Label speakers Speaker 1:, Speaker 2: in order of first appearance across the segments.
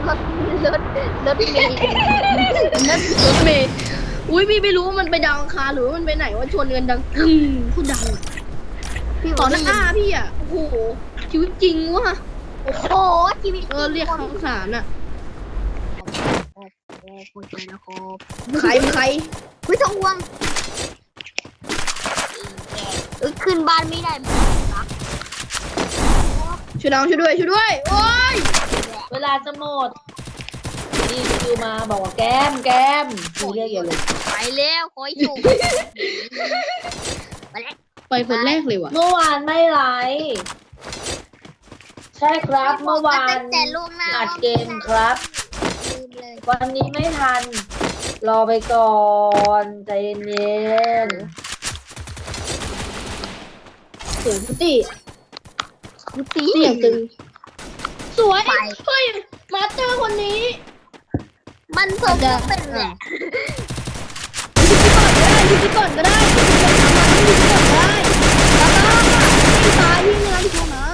Speaker 1: รถรถเมล์
Speaker 2: รถเมย์อุ้ยพี่ไม่รู้ว่ามันไปดาวอังคารหรือว่ามันไปไหนว่าชนกันดังกึ้งพูดดังต่อหน้าพี่อ่ะโอ้โหชีวิตจริงวะ
Speaker 1: โอ้โหชีวิต
Speaker 2: เรียกคำสารอ่ะ
Speaker 1: โอ้โหใจนะครับ
Speaker 2: ใครใคร
Speaker 1: ไม่ต้องห่วงขึ้นบ้านไม่ได้นะ
Speaker 2: ช่วยน้องช่วยด้วยโอ้ย
Speaker 3: เวลาจะหมดนี่คิวมาบอกว่าแกมมีเรียกอย่าเลย
Speaker 1: ไปแล้วคอยอยู่ไปแล้ว
Speaker 2: ไปคนแรกเลยว่ะ
Speaker 3: เมื่อวานไม่ไลฟ์ใช่ครับเมื่อวาน
Speaker 1: แต่ล่วงหน้า
Speaker 3: อัดเกมครับ
Speaker 1: ลืมเลย
Speaker 3: วันนี้ไม่ทัน รอไปก่อนใจเย็น
Speaker 2: เสียงพุติ
Speaker 1: กูตี
Speaker 2: เสียงตึงสวย
Speaker 1: ไป
Speaker 2: เฮ้ยมาสเตอร์คนนี้
Speaker 1: มันสมกับเป็นแหละ
Speaker 2: ยิงก่อนก็ได้ยิงก่อนก็ได้แล้วก็ไม่ตายพี่เนื้อที่เขานะ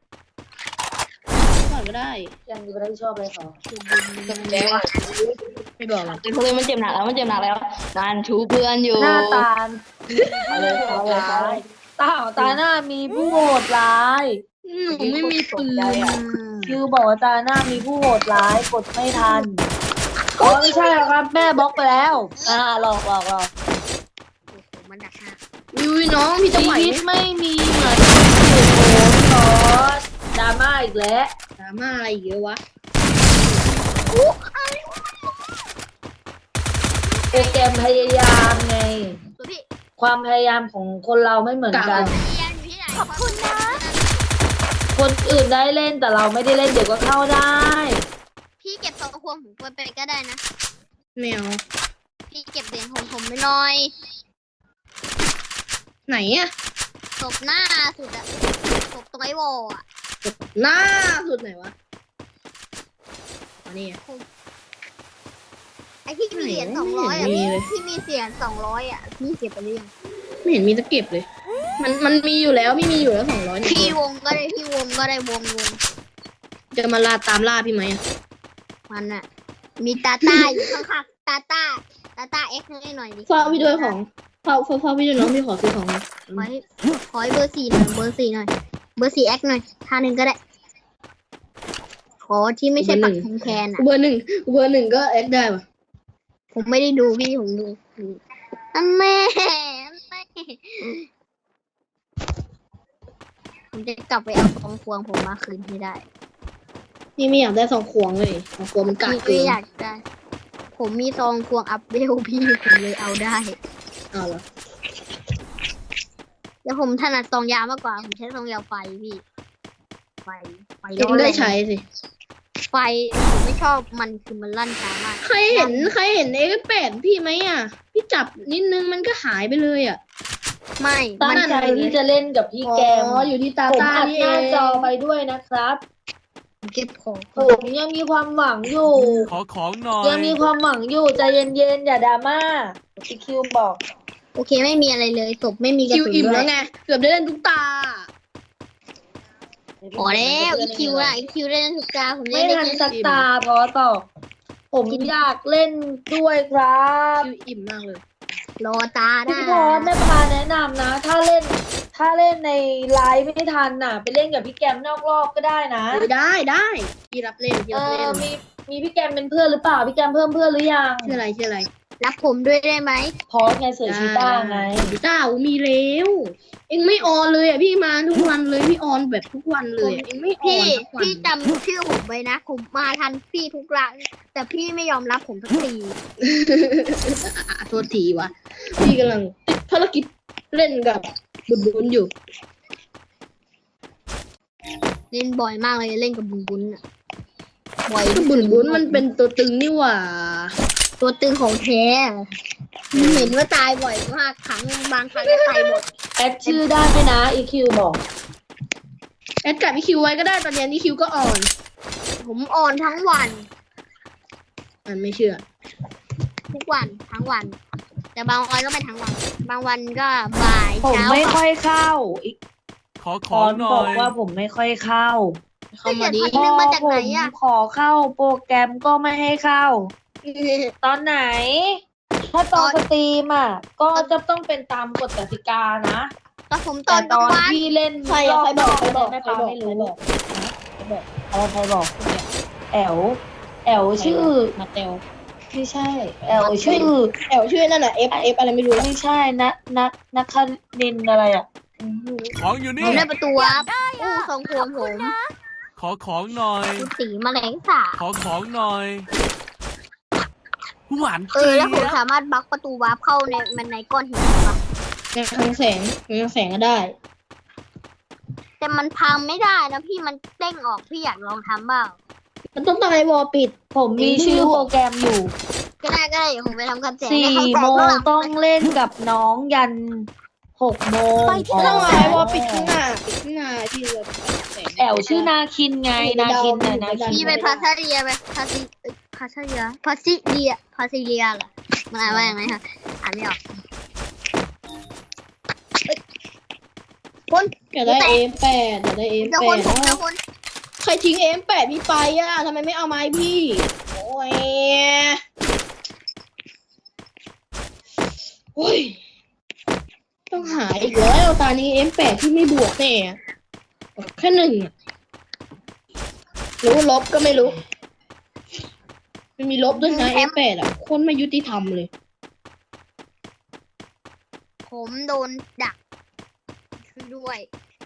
Speaker 2: ก่อนก็ได้
Speaker 3: ๆยังไม่ได้ชอบเลยค่ะ
Speaker 2: แดงไม่บอกหรอก
Speaker 4: เพราะมันเจ็บหนักแล้วมันชูเพื่อนอยู่
Speaker 3: หน้าตาเลยตาหน้ามีผู้โหดร้าย
Speaker 2: หนูไม่มีปืน
Speaker 3: คิวบอกว่าตาหน้ามีผู้โหดร้ายกดไม่ทันอ๋อไม่ใช่หรอกครับแม่บล็อกไปแล้วหลอก
Speaker 1: มันดักหน้า
Speaker 2: วิวน้องพี่จะ
Speaker 3: ชี
Speaker 2: ไหว
Speaker 3: วิตไม่มีเหมือนอยู่โหนดราม่าอีกแล้ว
Speaker 2: ดราม่าอะไรเยอะวะ
Speaker 3: โปรแกรมพยายามไง
Speaker 1: ตัวพี่
Speaker 3: ความพยายามของคนเราไม่เหมือนกัน
Speaker 1: เรียนอยู่ที่ไหนขอบคุณนะ
Speaker 3: คนอื่นได้เล่นแต่เราไม่ได้เล่นเดี๋ยวก็เข้าได้
Speaker 1: พี่เก็บทองควงผมไปก็ได้นะ
Speaker 2: แมว
Speaker 1: พี่เก็บเหรียญของผมไม่น้อย
Speaker 2: ไหนอะ
Speaker 1: ศพหน้าสุดอะศพตรงไอ้วอลอะ
Speaker 2: หน้าสุดไหนวะอันนี้
Speaker 1: ไอ้ที่มีเหรียญ
Speaker 2: ไหน
Speaker 1: 200อะ
Speaker 2: ไม่เห็นมีเลย
Speaker 1: ที่มีเหรียญ200อะพี่เก็บไปหรือยัง
Speaker 2: ไม่เห็นมีตะเก็บเลย มันมีอยู่แล้วพี่มีอยู่แล้ว200เนี่ย
Speaker 1: พี่วงก็ได้พี่วงก็ได้วง
Speaker 2: จะมาตามล่าพี่ไหมอะ
Speaker 1: มันอะมีตาต้าอยู่ข้างๆตาต้าเอ็กซ์ให้หน่อยดิ
Speaker 2: เฝ้าพี่ด้วยของเฝ้าพี่ด้วยน้องพี่ขอซื้อของนะ
Speaker 1: ขอให้เบอร์4หน่อยเบอร์4หน่อยเบอร์4เอ็กซ์หน่อยท่าหนึ่งก็ได้ขอที่ไม่ใช่ปักธงแคนอะ
Speaker 2: เบอร์หนึ่งก็แอคได้ปะ
Speaker 1: ผมไม่ได้ดูพี่ผมดูอันแม่ผมจะกลับไปเอาทองควงผมมาคืนให้ได้
Speaker 2: พี่ไม่อยากได้2 ขวงเลย2 ขวงมันกาก
Speaker 1: พี่
Speaker 2: เกิ
Speaker 1: ไม่
Speaker 2: น
Speaker 1: อยากได้ ผมมีซองควงอัพเวลพี่ผมเลยเอาได้
Speaker 2: เอาเหรอ
Speaker 1: แล้วผมถนัดซองยาวมากกว่า ผมใช้ซองยาวไฟพี่ ไฟ
Speaker 2: เองได้ใช้สิ
Speaker 1: ไฟผมไม่ชอบมันคือมันลั่นช้ามาก
Speaker 2: ใครเห็นX8พี่ไหมอ่ะ พี่จับนิดนึงมันก็หายไปเลยอ่ะ
Speaker 1: ไม่
Speaker 3: ตั้
Speaker 1: มั
Speaker 3: ง
Speaker 1: น
Speaker 3: ใจที่จะเล่นกับพี่แกม
Speaker 2: อยู่ที่ตา
Speaker 3: ผม
Speaker 2: ตา
Speaker 3: อัด
Speaker 2: นี่
Speaker 3: ห
Speaker 2: เอ
Speaker 3: น้าง จอไปด้วยนะครับ
Speaker 1: เก็บของ
Speaker 3: ผมยังมีความหวังอยู่
Speaker 5: ขอของหน่อย
Speaker 3: ยังมีความหวังอยู่ใจเย็นๆอย่าดราม่าพี่คิวบอก
Speaker 1: โอเคไม่มีอะไรเลยศพไม่มีกระ
Speaker 2: คิว
Speaker 1: สุน
Speaker 2: อิ่ม
Speaker 1: ด้ว
Speaker 2: แล้
Speaker 1: ยว
Speaker 2: ไง เกือบได้เล่นทุกตา
Speaker 1: พอแล้วอีคิวอะอีคิวเล่นทุกตาผม
Speaker 3: ไม่
Speaker 1: เล่นได้
Speaker 3: ทัน
Speaker 1: แค่
Speaker 3: สักตาพอต่อผมอยากเล่นด้วยครับ
Speaker 2: คิวอิ่มมากเลย
Speaker 1: รอตาได้
Speaker 3: พี่พอแม่พาแนะนำนะ ถ้าเล่นในไลฟ์ไม่ทันน่ะ ไปเล่นกับพี่แกมนอกรอบก็ได้นะ
Speaker 2: ได้พี่รับเล่นพี่
Speaker 3: เอ
Speaker 2: รับเล่
Speaker 3: อน มีพี่แกมเป็นเพื่อนหรือเปล่าพี่แกมเพิ่มเพื่อนหรือยัง
Speaker 2: ชื่ออะไร
Speaker 1: รับผมด้วยได้ไหม
Speaker 3: พอสไงเสือชีต้าไง
Speaker 2: ชีต้ามีแล้วเอ็งไม่ออนเลยอ่ะพี่มาทุกวันเลยพี่ออนแบบทุกวันเลยอะเอ็งไม่ออ
Speaker 1: พี่
Speaker 2: นทุกวัน
Speaker 1: พี่จำชื่อผมไว้นะผมมาทันพี่ทุกครั้งแต่พี่ไม่ยอมรับผมสักที
Speaker 2: โทษทีวะพี่กำลังติดภารกิจเล่นกับบุญอยู่
Speaker 1: เล่นบ่อยมากเลยเล่นกับบุญอะบ่อย
Speaker 2: บุญมันเป็นตัวตึงนี่หว่า
Speaker 1: ตัวตึงของแท้เห็นว่าตายบ่อยมากครั้งบางครั้งก็ตายหมด
Speaker 3: แอดชื่อได้ไหมนะ EQ บอก
Speaker 2: แอดกับอีคิวไว้ก็ได้ตอนนี้อีคิวก็อ่อน
Speaker 1: ผมอ่อนทั้งวัน
Speaker 2: มันไม่เชื่อ
Speaker 1: ทุกวันทั้งวัน แต่บางวันก็ไม่ทั้งวัน บางวันก็บ่าย
Speaker 3: ผม
Speaker 1: เช้า
Speaker 3: ไม่ค่อยเข้าอีก
Speaker 5: ขอข
Speaker 3: ค
Speaker 5: อง
Speaker 3: อน
Speaker 5: หน่
Speaker 3: บ
Speaker 5: อ
Speaker 3: อก
Speaker 5: ย
Speaker 3: ว่าผมไม่ค่อยเข้า
Speaker 2: เข้ามาดิ
Speaker 1: 1,000มาจากไหนอะ
Speaker 3: ขอเข้าโปรแกรมก็ไม่ให้เข้า ตอนไหน ถ้าตอนสตรีมอ่ะ ก็จะต้องเป็นตามกฎกติกานะ
Speaker 1: แต่ผมต
Speaker 3: แต่
Speaker 1: อน
Speaker 3: ต
Speaker 1: กลาง
Speaker 3: อน
Speaker 1: วัน
Speaker 3: ที่เล่น
Speaker 2: ใครอะใครบอก
Speaker 3: รอบๆ
Speaker 2: ใครบอก
Speaker 3: แม่ปาไม่รู้
Speaker 2: ใครบอก
Speaker 3: อะไรใครบอก แอลชื่อ
Speaker 2: มาเตล
Speaker 3: ไม่ใช่ แอลชื่อ
Speaker 2: แอลชื่อนั่นน่ะ F อะไรไม่รู้
Speaker 3: ไม่ใช่นักคณินอะไรอ่ะ
Speaker 5: ของอยู่
Speaker 1: ผ
Speaker 5: นี่
Speaker 1: มได้ประตูวับอู้ทรงผมผม
Speaker 5: ขอของหน่อย
Speaker 1: คุณสีแมลงสาบ
Speaker 5: ขอของหน่อย หวาน
Speaker 1: แล้วผม
Speaker 5: เจี๊ยบ
Speaker 1: สามารถบล็อกประตูวาร์ปเข้าในก้อนหินได้ปะ
Speaker 2: ในทางแสงก็ได้
Speaker 1: แต่มันพังไม่ได้นะพี่มันเด้งออกพี่อยากลองทำบ้าง
Speaker 2: มันต้องตั้งไอ้วอลปิด
Speaker 3: ผมมีชื่อโปรแกรมอยู่
Speaker 1: ก็ได้เดี๋ยวผมไปทำการแจก
Speaker 3: 4 โมงต้องเล่นกับน้องยัน 6 โมง
Speaker 2: ต้องไอ้วอลปิดข้างหน้าที่เราแสง
Speaker 3: แอลชื่อนาคินไง นาคินน่ะนาคิน
Speaker 1: พี่ไปพาซาเรียไปพาซิเรียเหรอมันอ่านว่าอย่างไรคะอ่านไม่ออกคน
Speaker 2: อยากได้ M8 อยากได้
Speaker 1: เจ้าคน
Speaker 2: M8
Speaker 1: ผมเจ้าคน
Speaker 2: ใครทิ้ง M8 พี่ไปอ่ะทำไมไม่เอาไม้พี่ โอ้ยโอ้ยต้องหาอีกแล้วตอนนี้ M8 ที่ไม่บวกแน่แค่1อะรู้ลบก็ไม่รู้ไม่มีลบด้วยนะ M8 อ่ะคนไม่ยุติธรรมเลย
Speaker 1: ผมโดนดักช่วยด้วย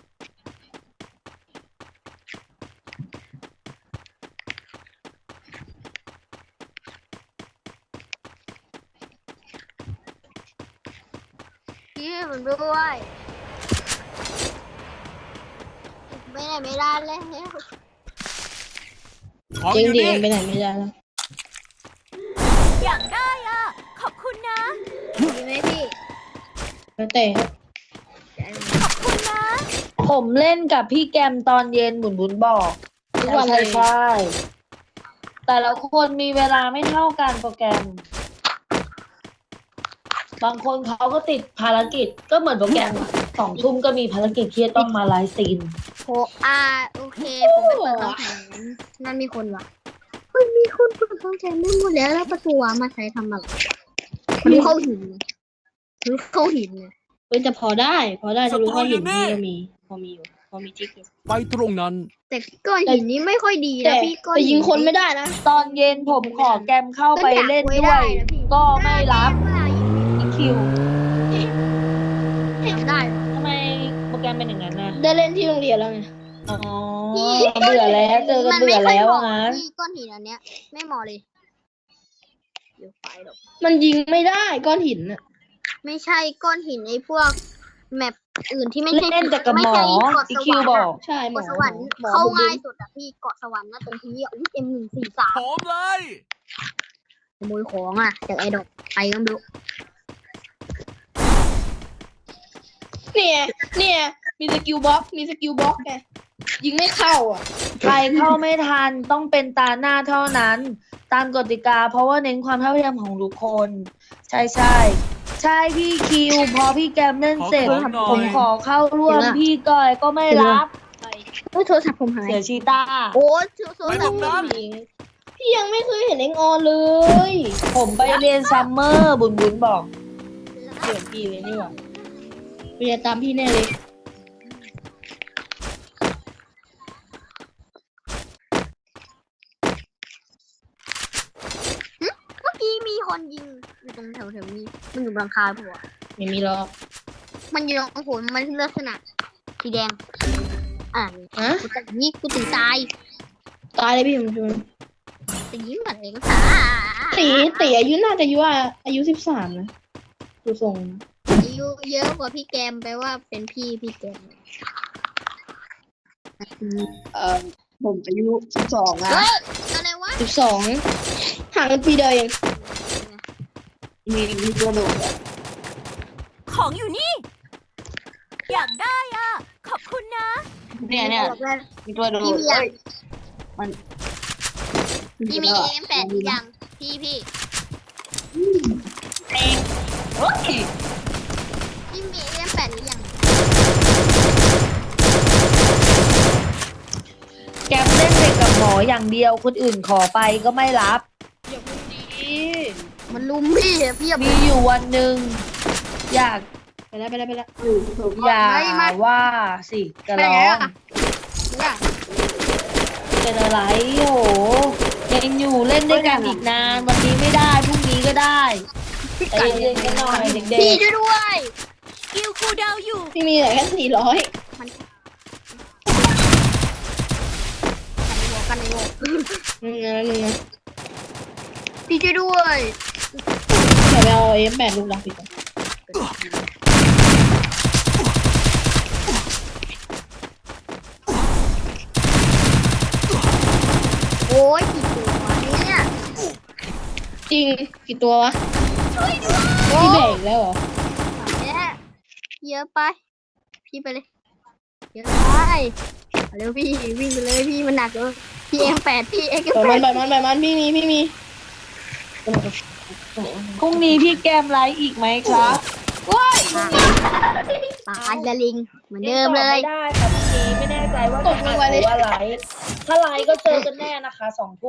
Speaker 1: พี่ผมด้วยไม่ได้ไม่ได้แล้ว
Speaker 5: ของ
Speaker 2: จริ
Speaker 5: อง ยู่
Speaker 2: ดิ
Speaker 5: นี่
Speaker 2: ไปไหนไม่ได้แล้ว
Speaker 6: อยากได้อ่ะ ขอบคุณนะ
Speaker 1: ดีไหมพี่
Speaker 2: แล้วแต่
Speaker 6: ขอบคุณนะ
Speaker 3: ผมเล่นกับพี่แกมตอนเย็นบุญบอก
Speaker 2: ทุกวันเลย
Speaker 3: ใช่แต่ละคนมีเวลาไม่เท่ากันโปรแกรม บางคนเขาก็ติดภารกิจก็เหมือนโปรแกรมอะ2 ทุ่มก็มีภารกิจที่จะต้องมาไลฟ์สตรีม
Speaker 1: โอเค ผมไปเปิดกำแพงนั่นมีคนวะเฮ้ยมีคนเปิดกำแพงได้หมดแล้วประตูมาใช้ทำอะไรหรือเข้าหินเนี่ย
Speaker 2: เว้ยแต่พอได้จะรู้ว่าหินที่เรามีพอมีอยู่พอมีจิ๊กอยู่
Speaker 5: ไปตรงนั้น
Speaker 1: แต่ก้อนหินนี้ไม่ค่อยดี
Speaker 2: แต่
Speaker 1: นะพี่ก้อน
Speaker 2: แต่ยิงคนไม่ได้นะ
Speaker 3: ตอนเย็นผมขอแกมเข้าไปเล่นด้วย ก็ไม่รับอีคิว
Speaker 1: ได้
Speaker 3: ทำไมโปรแกรมเป็นอย่างนั้นนะ
Speaker 2: ได้เล่นที่โรงเรียนแล้วไง
Speaker 3: อ๋อเบื่อแล้วเจอกันเบื่อแล้วว่างั้น
Speaker 1: พี่ก้อนหินอันเนี้ยไม่เหมาะเลยเดี๋ยวไปหรอก
Speaker 2: มันยิงไม่ได้ก้อนหินน่ะ
Speaker 1: ไม่ใช่ก้อนหินไอ้พวกแมปอื่นที่ไม่ใช่
Speaker 3: เล่นแต่กับหมอ
Speaker 1: ไใช่เกาะ
Speaker 3: อี
Speaker 1: ส
Speaker 3: คิว
Speaker 1: วรรค์
Speaker 3: บอก
Speaker 2: ใช่หม
Speaker 1: เกาะ
Speaker 2: อ
Speaker 1: สวรรค์
Speaker 2: หมอ
Speaker 1: เข้า
Speaker 2: บุญ
Speaker 1: ง่ายสุดอะพี่เกาะสวรรค์นะตรงที่M143
Speaker 5: หอมเลย
Speaker 1: ขโมยของอ่ะจากไอ้ดอกไปก็ไม่รู้
Speaker 2: เนี่ยมีสกิลบล็อกไงยิงไม่เข้าอ่ะ
Speaker 3: ใครเข้าไม่ทันต้องเป็นตาหน้าเท่านั้น ตามกติกาเพราะว่าเน้นความเท่าเทียมของทุกคน ใช่พี่คิวพอพี่แกมเล่นเสร็จ ผมขอเข้าร่วมพี่ก้อยก็ไม่รับ
Speaker 1: โทรศัพท์ผมหาย
Speaker 3: เสียชีตา
Speaker 1: โอ้โทร
Speaker 5: ไป
Speaker 1: ศั
Speaker 5: ต
Speaker 1: พ
Speaker 5: ร
Speaker 1: ท์
Speaker 5: งนั้น
Speaker 2: พี่ยังไม่เคยเห็นเอ็งออนเลย
Speaker 3: ผมไปเรียนซัมเมอร์บุญบอก
Speaker 2: เสียพี่เลยนี่หว่าไปจะตามพี่แน่เลย
Speaker 1: เมื่อกี้มีคนยิงอยู่ตรงแถวนี้มันอยู่บนหลังคาผัว
Speaker 2: ไม่มีหรอก
Speaker 1: มันอยู่ตรงผมมันลักษณะสีแดง
Speaker 2: ฮะ
Speaker 1: กูแต่นี่กูถึงตาย
Speaker 2: ตายเลยพี่ผมชวน
Speaker 1: แต่ยิ้มเหมือนเองสา
Speaker 2: ตีอายุน่าจะอายุ13นะดูทรงนะ
Speaker 1: อายุเยอะกว่าพี่แกมแปลว่าเป็นพี่แกม
Speaker 4: ผมอายุ12นะ
Speaker 1: เฮ้ยอะไรวะ
Speaker 2: 12ห่างกันปีเดียวเอง
Speaker 4: มีตัวโดดอะ
Speaker 6: ของอยู่นี่ อยากได้อ่ะ ขอบคุณนะ
Speaker 4: เนี่ย
Speaker 1: บอกว่า
Speaker 4: มีตัวโดด
Speaker 1: พี่มียัง
Speaker 4: มัน
Speaker 1: พี่มีM8หรือยังพี่
Speaker 4: เฮ้ย
Speaker 1: พี่มีM8หรือยัง
Speaker 3: แกมเล่นแต่กับหมออย่างเดียวคนอื่นขอไปก็ไม่รับ
Speaker 2: อย่าพูดดี
Speaker 1: มันลุมพี่อะพี่อย่า
Speaker 3: มีอยู่วันหนึ่งอยาก
Speaker 2: ไปแล้วไปแล้วไปแล้ว
Speaker 3: อย่าว่าสิจะ
Speaker 1: ไป
Speaker 3: ร้
Speaker 1: ไหน
Speaker 3: อง
Speaker 1: อะเนี่ย
Speaker 3: เป็นอะไรโหยังอยู่เล่นด้วยกันอีกนาน วันนี้ไม่ได้พรุ่งนี้ก็ได้ใจเย็นๆกันหน่อยเด็
Speaker 1: พี่
Speaker 3: ก
Speaker 1: ช่วยด้วย
Speaker 6: สกิลคูลดาวน์อยู่
Speaker 2: พี่มีแต่แค่400
Speaker 1: กันในโลก
Speaker 2: นึงนะ
Speaker 1: พี่ช่วยด้วย
Speaker 2: เดี๋ยวไปเอา M8 ลูกรักพี่ก่อน
Speaker 1: โอ้ยกี่ตัวเนี่ย
Speaker 2: จริงกี่ตัววะ
Speaker 1: โอ้
Speaker 2: พี่แบกอีกแล้วเหรอ
Speaker 1: เนี่ยเยอะไป พี่ไปเลยเยอะไปเอาเร็วพี่วิ่งไปเลยพี่มันหนักเลยพี่M8พี่
Speaker 2: ปล่อย
Speaker 1: M8
Speaker 2: มันพี่มี
Speaker 3: ๆพรุ่งนี้พี่แกมไลฟ์อีกไหมครับ
Speaker 1: ตายละลิงเหมือนเดิมเลย
Speaker 3: ไม่ได้ค่ะพรุ่งนี้ไม่แน่ใจว่าจะอัดหรือว่าไลฟ์ถ้าไลฟ์ก็เจอกันแน่นะคะ2 ทุ่ม